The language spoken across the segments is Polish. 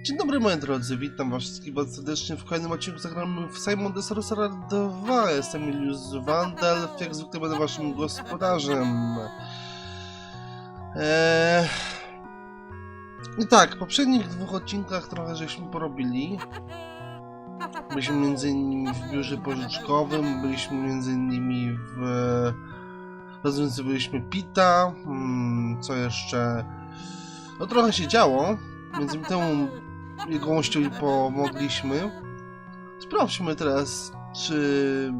Dzień dobry moi drodzy, witam was wszystkich bardzo serdecznie w kolejnym odcinku. Zagramy w Simon the Sorcerer 2. Jestem Julius Wandelf, jak zwykle będę waszym gospodarzem. I tak, w poprzednich dwóch odcinkach trochę żeśmy porobili. Byliśmy m.in. w biurze pożyczkowym, byliśmy m.in. w... rozwiązywaliśmy Pita, co jeszcze... No trochę się działo, między innymi temu jegomościowi pomogliśmy. Sprawdźmy teraz, czy...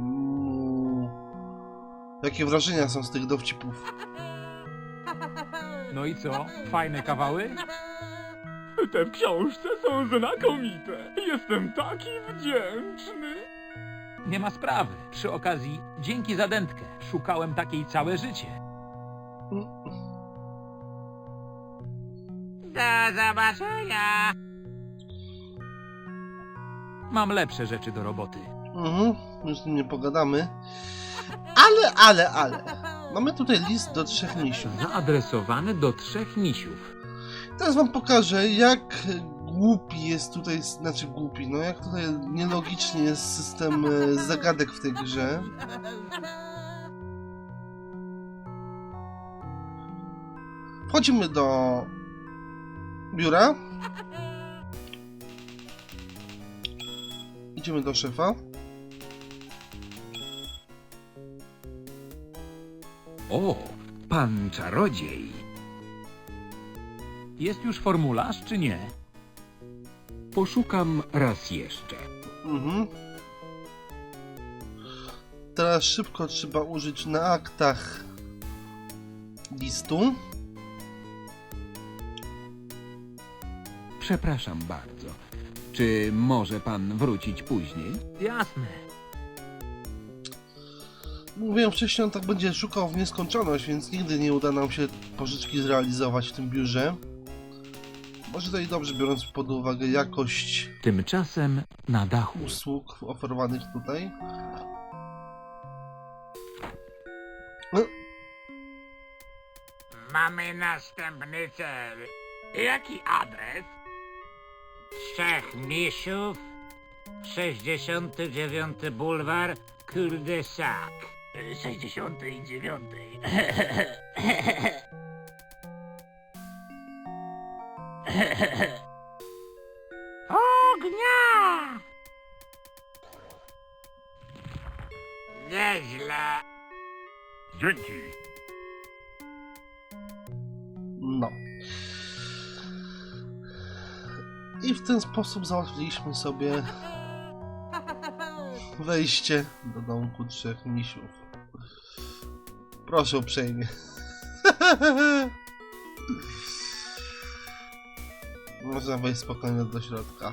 jakie wrażenia są z tych dowcipów. No i co? Fajne kawały? Te w książce są znakomite. Jestem taki wdzięczny. Nie ma sprawy. Przy okazji, dzięki za dętkę. Szukałem takiej całe życie. Do zobaczenia! Mam lepsze rzeczy do roboty. Już z nim nie pogadamy. Ale. Mamy tutaj list do 3 misiów. Zaadresowany do 3 misiów. Teraz wam pokażę, jak głupi jest tutaj, znaczy głupi, no jak tutaj nielogicznie jest system zagadek w tej grze. Wchodzimy do biura. Idziemy do szefa. O, pan czarodziej. Jest już formularz, czy nie? Poszukam raz jeszcze. Teraz szybko trzeba użyć na aktach listu. Przepraszam bardzo. Czy może pan wrócić później? Jasne. Mówiłem wcześniej, on tak będzie szukał w nieskończoność, więc nigdy nie uda nam się pożyczki zrealizować w tym biurze. Może to i dobrze, biorąc pod uwagę jakość Tymczasem na dachu. usług oferowanych tutaj. Mamy następny cel. Jaki adres? Trzech misiów, 69 bulwar, cul-de-sac. 69. Ognia! Nieźle. Dzięki. No. I w ten sposób załatwiliśmy sobie wejście do domku 3 misiów. Proszę uprzejmie. Można wejść spokojnie do środka.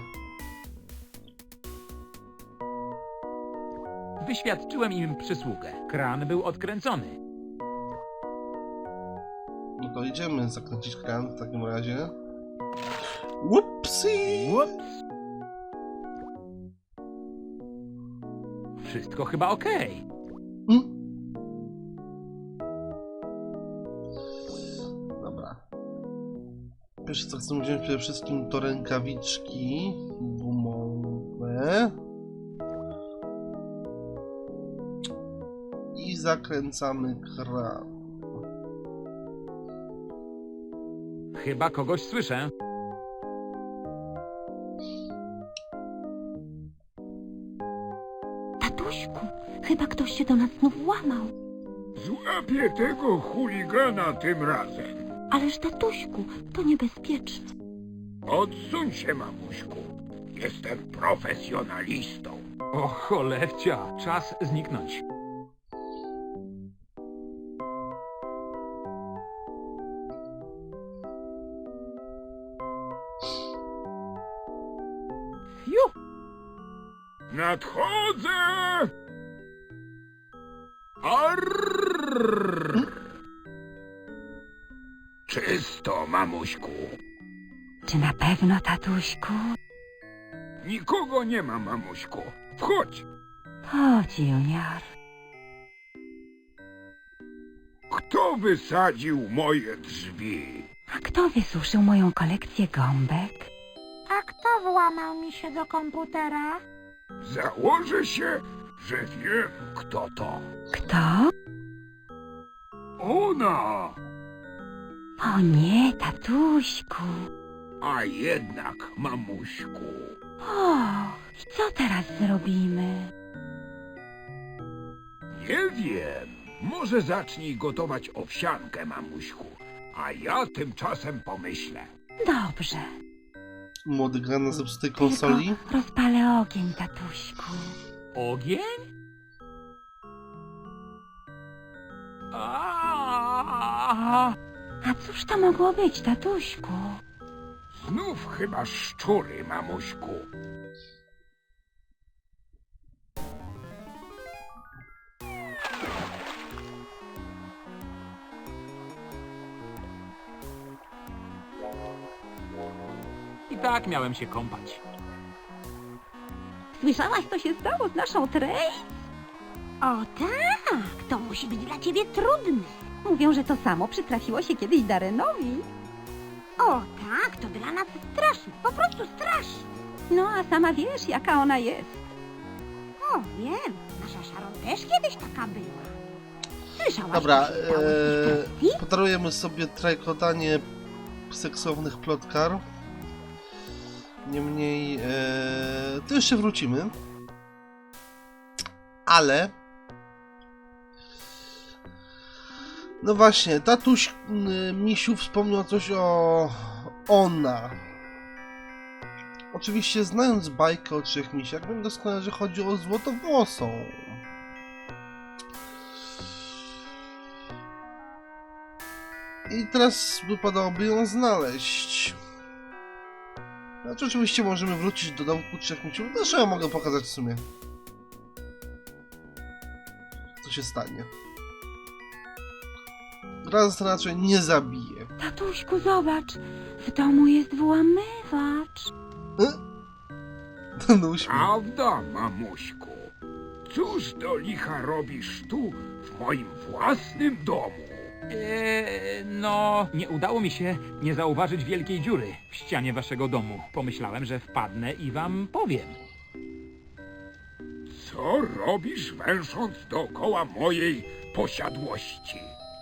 Wyświadczyłem im przysługę. Kran był odkręcony. No to idziemy zakręcić kran w takim razie. Upsi! Ups. Wszystko chyba okej. Dobra. Pierwsze co chcę wziąć przede wszystkim to rękawiczki gumowe. I zakręcamy kran. Chyba kogoś słyszę. Tatuśku, chyba ktoś się do nas znów włamał. Złapię tego chuligana tym razem. Ależ tatuśku, to niebezpieczne. Odsuń się, mamuśku. Jestem profesjonalistą. O cholercia, czas zniknąć. Fiu! Nadchodzę! Arrrr! Czysto, mamuśku. Czy na pewno, tatuśku? Nikogo nie ma, mamuśku. Wchodź. Chodź, Junior. Kto wysadził moje drzwi? A kto wysuszył moją kolekcję gąbek? A kto włamał mi się do komputera? Założę się, że wiem, kto to. Kto? Ona! O nie, tatuśku. A jednak, mamuśku. O, i co teraz zrobimy? Nie wiem. Może zacznij gotować owsiankę, mamuśku. A ja tymczasem pomyślę. Dobrze. Młody gra na zepsutej konsoli. Tylko rozpalę ogień, tatuśku. Ogień? A! A cóż to mogło być, tatuśku? Znów chyba szczury, mamuśku. I tak miałem się kąpać. Słyszałaś, co się stało z naszą Trace? O tak, to musi być dla ciebie trudne. Mówią, że to samo przytrafiło się kiedyś Darrenowi. O tak, to dla nas straszne, po prostu straszne. No, a sama wiesz, jaka ona jest. O, wiem, nasza Sharon też kiedyś taka była. Słyszałaś, Dobra, co się stało z ich Tracy? podarujemy sobie trajkotanie seksownych plotkar. Niemniej, to jeszcze wrócimy. Ale... No właśnie, tatuś Misiu wspomniał coś o... Ona. Oczywiście, znając bajkę o trzech misiach, wiem doskonale, że chodzi o złotowłosą. I teraz wypadałoby ją znaleźć. Znaczy, oczywiście możemy wrócić do domku trzech misiów. Zresztą ja mogę pokazać w sumie, co się stanie. Gra nas raczej nie zabije. Tatuśku, zobacz, w domu jest włamywacz. Ten uśmiech. Prawda, mamuśku? Cóż do licha robisz tu, w moim własnym domu? No, nie udało mi się nie zauważyć wielkiej dziury w ścianie waszego domu. Pomyślałem, że wpadnę i wam powiem. Co robisz, węsząc dookoła mojej posiadłości?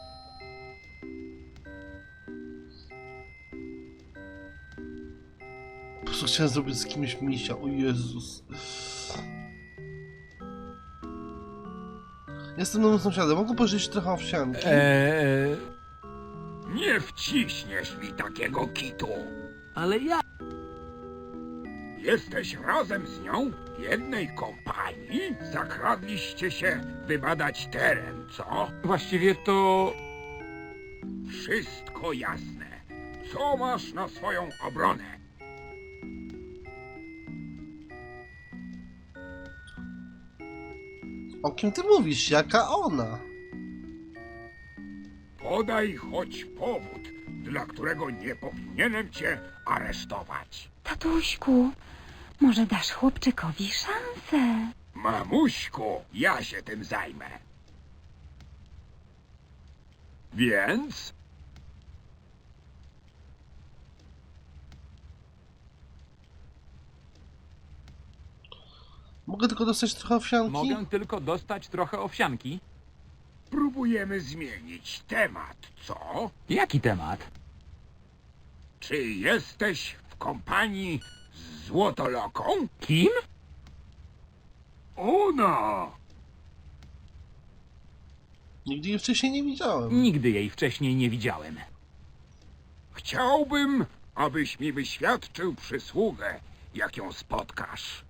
Po prostu chciałem zrobić z kimś misia. O Jezus. Jestem nowym sąsiadem. Mogę pożyczyć trochę owsianki? Nie wciśniesz mi takiego kitu. Ale ja... Jesteś razem z nią w jednej kompanii? Zakradliście się, by badać teren, co? Właściwie to... Wszystko jasne. Co masz na swoją obronę? O kim ty mówisz? Jaka ona? Podaj choć powód, dla którego nie powinienem cię aresztować. Tatuśku, może dasz chłopczykowi szansę? Mamuśku, ja się tym zajmę. Więc? Mogę tylko dostać trochę owsianki? Mogę tylko dostać trochę owsianki. Próbujemy zmienić temat, co? Jaki temat? Czy jesteś w kompanii z Złotoloką? Kim? Ona! Nigdy jej wcześniej nie widziałem. Nigdy jej wcześniej nie widziałem. Chciałbym, abyś mi wyświadczył przysługę, jak ją spotkasz.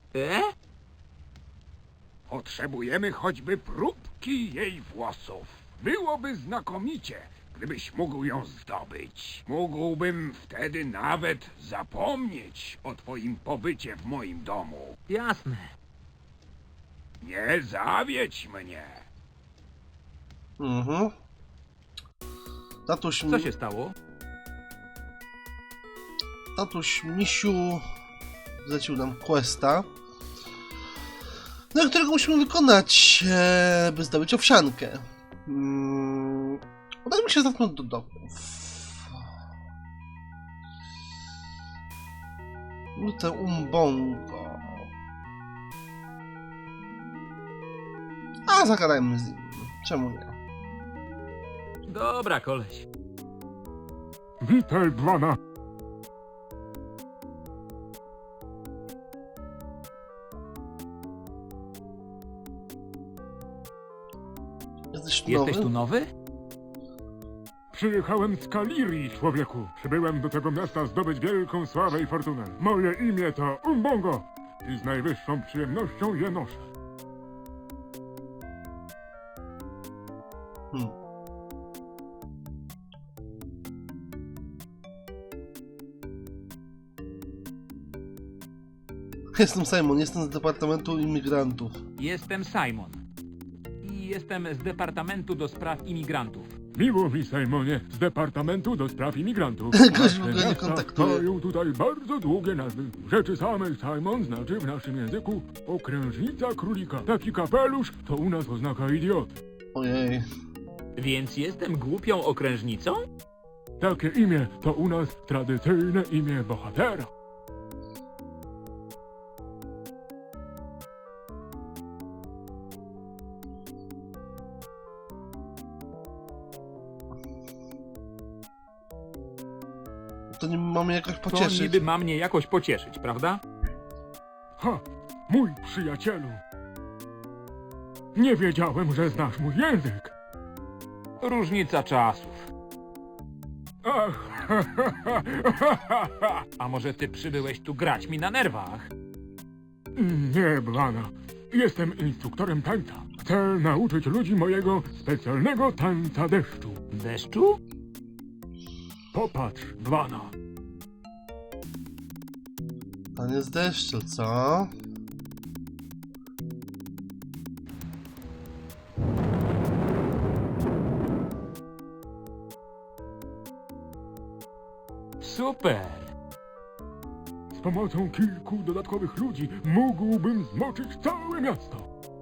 Potrzebujemy choćby próbki jej włosów. Byłoby znakomicie, gdybyś mógł ją zdobyć. Mógłbym wtedy nawet zapomnieć o twoim pobycie w moim domu. Jasne. Nie zawiedź mnie. Mhm. Co się stało? Tatuś Misiu zlecił nam questa, na którego musimy wykonać, by zdobyć owsiankę. Udajmy się zatem do domów. Ute Umbongo. A, zagadajmy z nim. Czemu nie? Dobra, koleś. Witaj, Bwana. Jesteś Jesteś nowy? tu nowy? Przyjechałem z Kalirii, człowieku. Przybyłem do tego miasta zdobyć wielką sławę i fortunę. Moje imię to Umbongo i z najwyższą przyjemnością je noszę. Hmm. Jestem Simon, jestem z Departamentu Imigrantów. Jestem Simon. I jestem z Departamentu do Spraw Imigrantów. Miło mi, Simonie, z Departamentu do Spraw Imigrantów. Gość w ogóle nie Miasta kontaktuje. mają tutaj bardzo długie nazwy. W rzeczy samej Simon znaczy w naszym języku okrężnica królika. Taki kapelusz to u nas oznaka idiot. Ojej. Więc jestem głupią okrężnicą? Takie imię to u nas tradycyjne imię bohatera. To nie mamy jakoś To pocieszyć. niby ma mnie jakoś pocieszyć, prawda? Ha, mój przyjacielu. Nie wiedziałem, że znasz mój język. Różnica czasów. Ach, A może ty przybyłeś tu grać mi na nerwach? nie, Blana. Jestem instruktorem tańca. Chcę nauczyć ludzi mojego specjalnego tańca deszczu. Deszczu? Popatrz, Blana. To nie z deszczu, co? Super! Z pomocą kilku dodatkowych ludzi mógłbym zmoczyć całe miasto.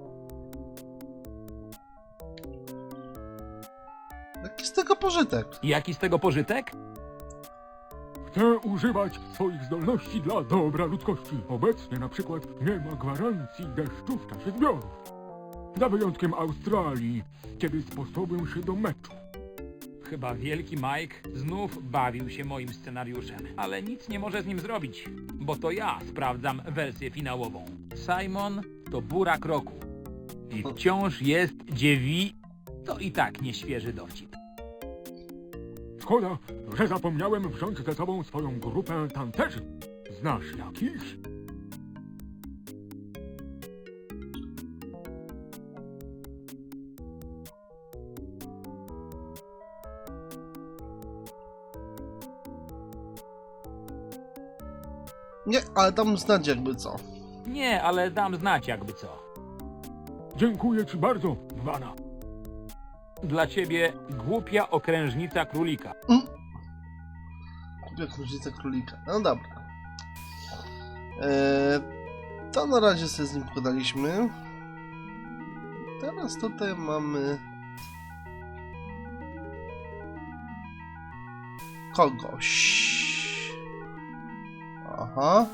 Jaki z tego pożytek? Jaki z tego pożytek? Chcę używać swoich zdolności dla dobra ludzkości. Obecnie na przykład nie ma gwarancji deszczu w czasie zbiorów. Za wyjątkiem Australii, kiedy sposobię się do meczu. Chyba wielki Mike znów bawił się moim scenariuszem, ale nic nie może z nim zrobić, bo to ja sprawdzam wersję finałową. Simon to burak roku i wciąż jest To i tak nieświeży dowcip. Szkoda, że zapomniałem wziąć ze sobą swoją grupę tancerzy. Znasz jakiś? Nie, ale dam znać jakby co. Nie, ale dam znać jakby co. Dziękuję ci bardzo, Bwana. Dla ciebie głupia okrężnica królika. Kupię krużycę królika. No dobra. To na razie sobie z nim pogadaliśmy. Teraz tutaj mamy... kogoś. Aha.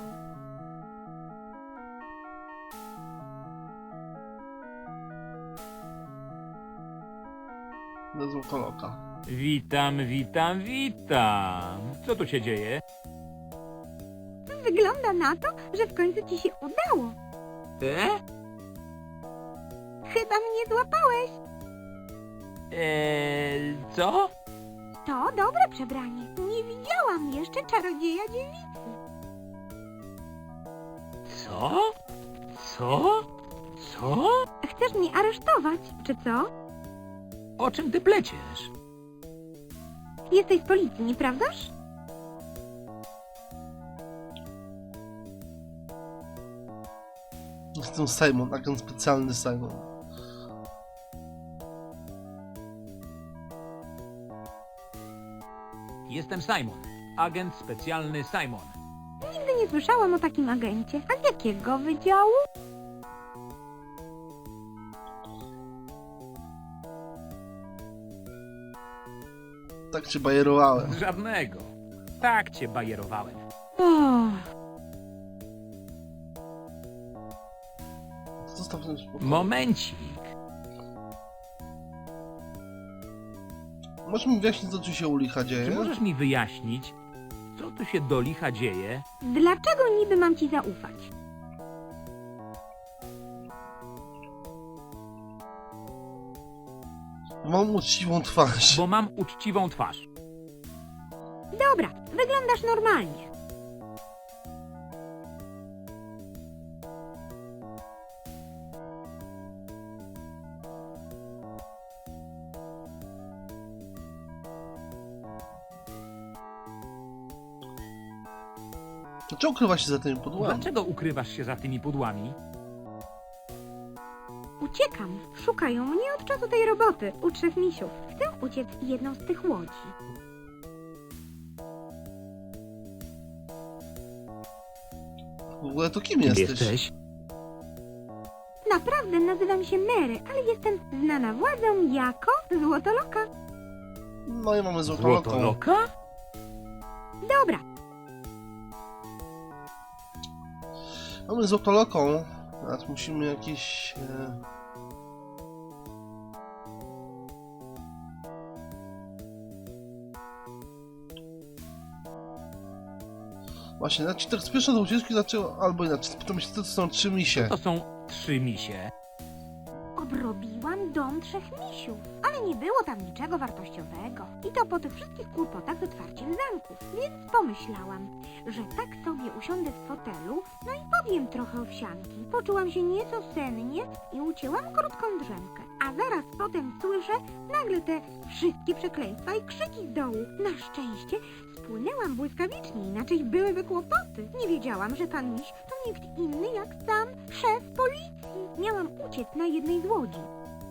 Wezmę koloka. Witam, witam, witam. Co tu się dzieje? Wygląda na to, że w końcu ci się udało. Chyba mnie złapałeś. Co? To dobre przebranie. Nie widziałam jeszcze czarodzieja dziewicy. Co? Co? Co? Chcesz mnie aresztować, czy co? O czym ty pleciesz? Jesteś z policji, nieprawdaż? Jestem Simon, agent specjalny Simon. Jestem Simon, agent specjalny Simon. Nigdy nie słyszałam o takim agencie. A z jakiego wydziału? Tak cię bajerowałem. Żadnego. Tak cię bajerowałem. O, Zostaw ten spokój. Momencik. Możesz mi wyjaśnić, co tu się u licha Czy dzieje? możesz mi wyjaśnić, co tu się do licha dzieje? Dlaczego niby mam ci zaufać? Mam uczciwą twarz. Bo mam uczciwą twarz. Dobra, wyglądasz normalnie. Dlaczego ukrywa się za tymi pudłami? Dlaczego ukrywasz się za tymi pudłami? Uciekam. Szukają mnie od czasu tej roboty u trzech misiów. Chcę uciec jedną z tych łodzi. W ogóle to kim Kim jesteś? jesteś? Naprawdę nazywam się Mary, ale jestem znana władzą jako Złotoloka. No i mamy złotoloką. Złotoloka? Dobra, Mamy złotoloką. Teraz musimy jakieś... Właśnie, znaczy tak spieszno do ucieczki, dlaczego... Albo inaczej, spytam się, co to są 3 misie. To są 3 misie. obrobiłam dom trzech misiów, ale nie było tam niczego wartościowego. I to po tych wszystkich kłopotach z otwarciem zamków. Więc pomyślałam, że tak sobie usiądę w fotelu, no i powiem trochę owsianki. Poczułam się nieco sennie i ucięłam krótką drzemkę. A zaraz potem słyszę nagle te wszystkie przekleństwa i krzyki z dołu. Na szczęście spłynęłam błyskawicznie, inaczej byłyby kłopoty. Nie wiedziałam, że pan miś to nikt inny jak sam szef policji. Miałam uciec na jednej z łodzi.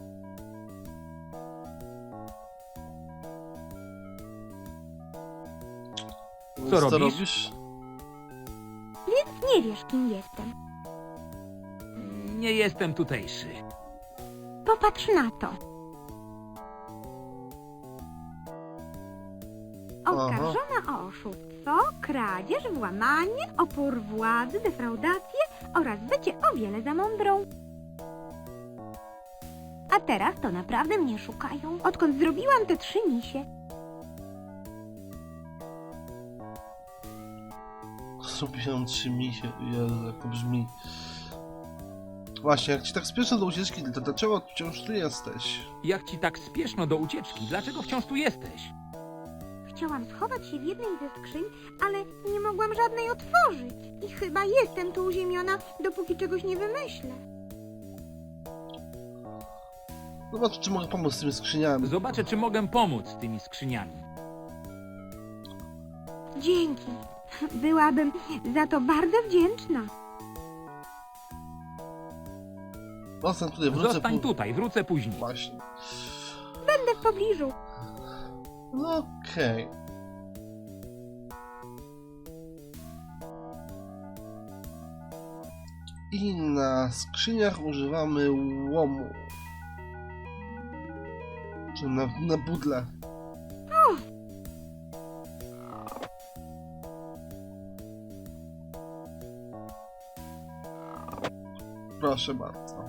Więc Co co robisz? robisz? Więc nie wiesz, kim jestem. Nie jestem tutejszy. Popatrz na to. Oskarżona o oszustwo, kradzież, włamanie, opór władzy, defraudację oraz bycie o wiele za mądrą. A teraz to naprawdę mnie szukają, odkąd zrobiłam te 3 misie. Zrobiłem 3 misie. Jezu, jak to brzmi. Właśnie, jak ci tak spieszę do ucieczki, to dlaczego wciąż tu jesteś? Jak ci tak spieszno do ucieczki, dlaczego wciąż tu jesteś? Chciałam schować się w jednej ze skrzyń, ale nie mogłam żadnej otworzyć. I chyba jestem tu uziemiona, dopóki czegoś nie wymyślę. Zobacz, czy mogę pomóc z tymi skrzyniami. Zobaczę, czy mogę pomóc z tymi skrzyniami. Dzięki. Byłabym za to bardzo wdzięczna. Zostań tutaj, wrócę Zostań tutaj, wrócę później. Właśnie. Będę w pobliżu. No okej. I na skrzyniach używamy łomu. Czy na budle. Proszę bardzo.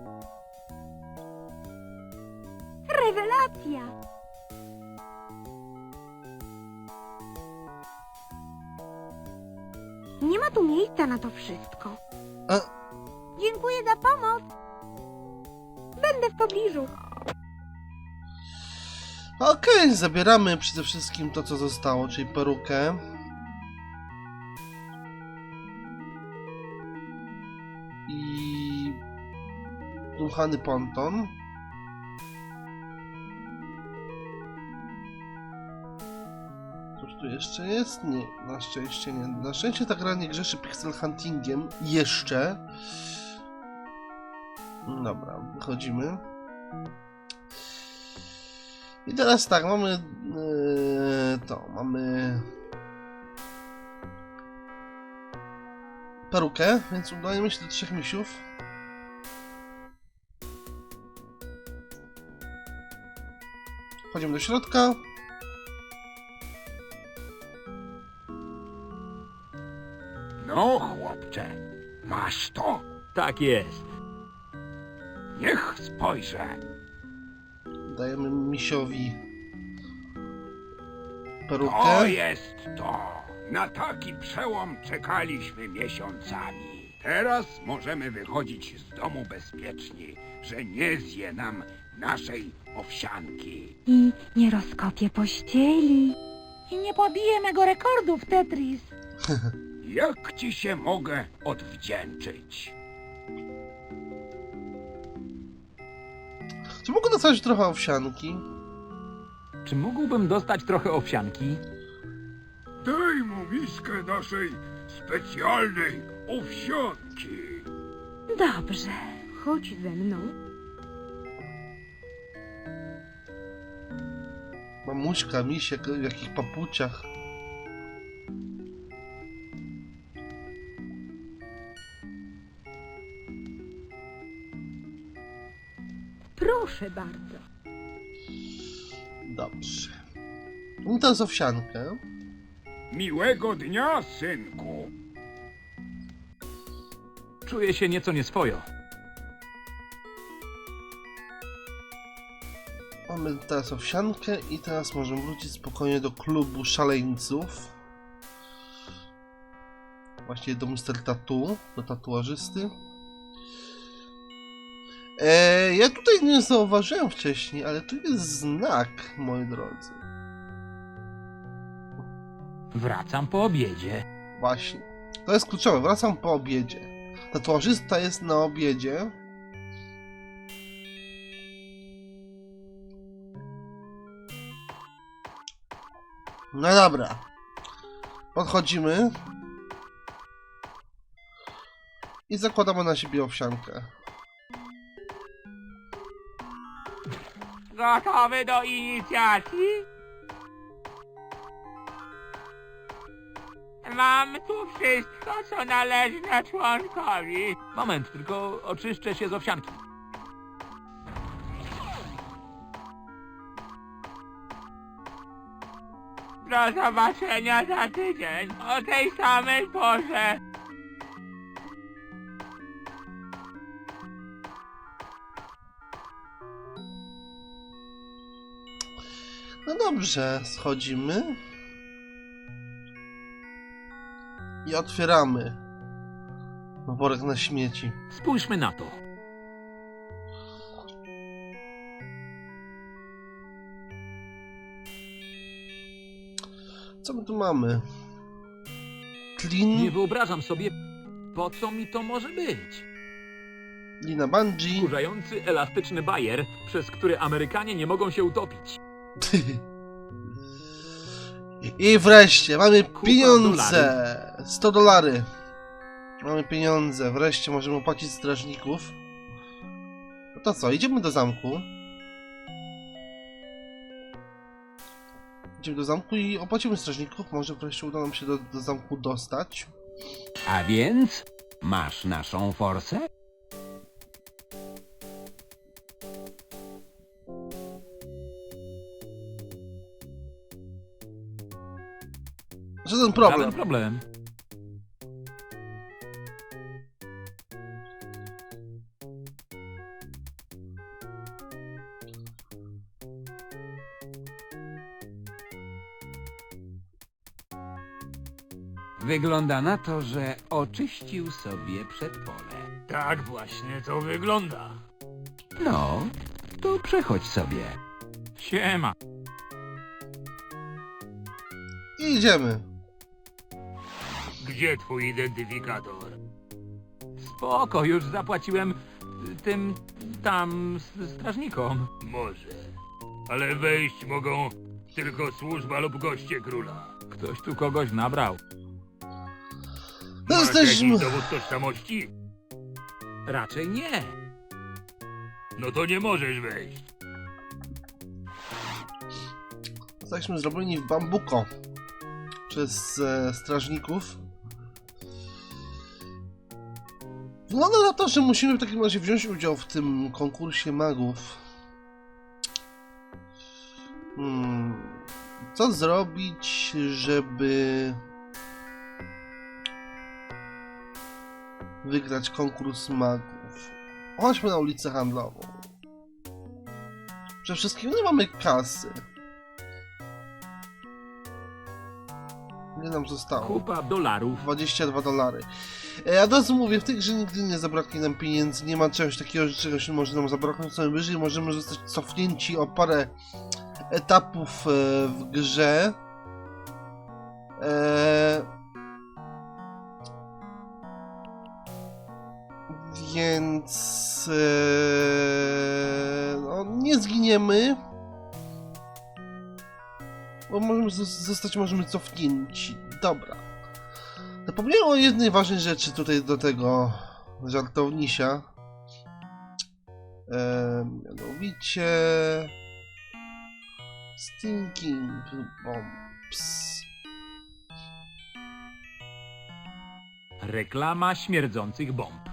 Rewelacja! Nie ma tu miejsca na to wszystko. A, Dziękuję za pomoc. Będę w pobliżu. okej, zabieramy przede wszystkim to, co zostało, czyli perukę. I dmuchany ponton. Cóż tu jeszcze jest? Nie, na szczęście nie. Na szczęście ta gra nie grzeszy pixel huntingiem. Jeszcze. Dobra, wychodzimy. I teraz tak, mamy mamy perukę, więc udajemy się do 3 misiów. Wchodzimy do środka. No, chłopcze, masz to. Tak jest. Niech spojrzę. Dajemy misiowi To perukę. jest to. Na taki przełom czekaliśmy miesiącami. Teraz możemy wychodzić z domu bezpieczni, że nie zje nam naszej owsianki. I nie rozkopię pościeli. I nie pobiję mego rekordu w Tetris. Jak ci się mogę odwdzięczyć? Czy mogę dostać trochę owsianki? Czy mógłbym dostać trochę owsianki? Daj mu miskę naszej specjalnej owsianki. Dobrze. Chodź ze mną. Mamuśka, misiek, w jakich papuciach. Proszę bardzo. Dobrze. No teraz owsiankę. Miłego dnia, synku. Czuję się nieco nieswojo. Mamy teraz owsiankę i teraz możemy wrócić spokojnie do klubu szaleńców. Właściwie do Mr. Tattoo, do tatuażysty. Ja tutaj nie zauważyłem wcześniej, ale tu jest znak, moi drodzy. Wracam po obiedzie. Właśnie. To jest kluczowe, wracam po obiedzie. Tatuażysta jest na obiedzie. No dobra. Podchodzimy. I zakładamy na siebie owsiankę. Gotowy do inicjacji? Mam tu wszystko, co należy na członkowi. Moment, tylko oczyszczę się z owsianki. Do zobaczenia za tydzień, o tej samej porze. No dobrze, schodzimy. I otwieramy worek na śmieci. Spójrzmy na to. Co my tu mamy? Nie Klin, wyobrażam sobie, po co mi to może być. lina bungee. Wkurzający elastyczny bajer, przez który Amerykanie nie mogą się utopić. I wreszcie mamy Kupa pieniądze! $100. Mamy pieniądze, wreszcie możemy opłacić strażników. No to co, idziemy do zamku. Idziemy do zamku i opłacimy strażników. Może wreszcie uda nam się do zamku dostać. A więc masz naszą forsę? Żaden problem. Żaden problem. Wygląda na to, że oczyścił sobie przedpole. Tak właśnie to wygląda. No, to przechodź sobie. Siema. I idziemy. Gdzie twój identyfikator? Spoko, już zapłaciłem tym tam strażnikom. Może, ale wejść mogą tylko służba lub goście króla. Ktoś tu kogoś nabrał. No jesteśmy... dowód tożsamości? Raczej nie. No to nie możesz wejść. Zostaliśmy zrobieni w bambuko przez strażników. Wygląda na to, że musimy w takim razie wziąć udział w tym konkursie magów. Co zrobić, żeby wygrać konkurs magów? Chodźmy na ulicę handlową. Przede wszystkim nie mamy kasy. Ile nam zostało? Kupa dolarów. $22. Od razu mówię, w tej grze nigdy nie zabraknie nam pieniędzy, nie ma czegoś takiego, że czegoś nie może nam zabraknąć, co najwyżej możemy zostać cofnięci o parę etapów w grze. Więc no, nie zginiemy, bo możemy możemy cofnięci. Dobra. Zapomniałem o jednej ważnej rzeczy tutaj do tego żartownisia. Mianowicie Stinking Bombs. Reklama śmierdzących bomb.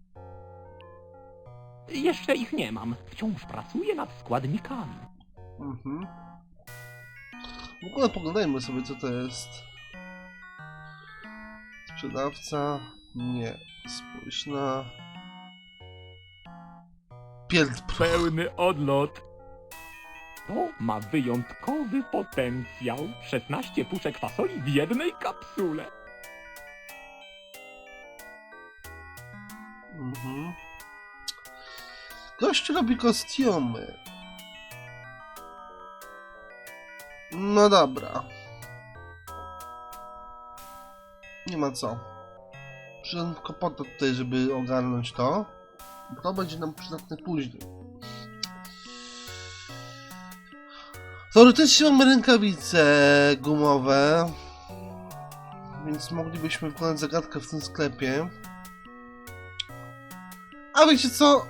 Jeszcze ich nie mam. Wciąż pracuję nad składnikami. Mhm. W ogóle poglądajmy sobie, co to jest. Sprzedawca. Nie. Spójrz na... Pierdpr. Pełny odlot. To ma wyjątkowy potencjał. 16 puszek fasoli w jednej kapsule. Mhm. Gość robi kostiumy. No dobra. Nie ma co. Przyszedłem tylko po to tutaj, żeby ogarnąć to. To będzie nam przydatne później. Teoretycznie mamy rękawice gumowe. Więc moglibyśmy wykonać zagadkę w tym sklepie. A wiecie co?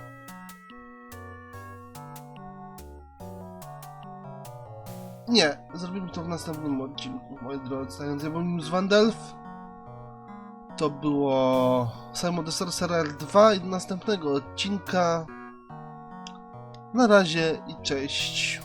Nie, zrobimy to w następnym odcinku, moi drodzy. A więc ja byłem z Wandelf. To było Simon the Sorcerer 2 i do następnego odcinka. Na razie i cześć.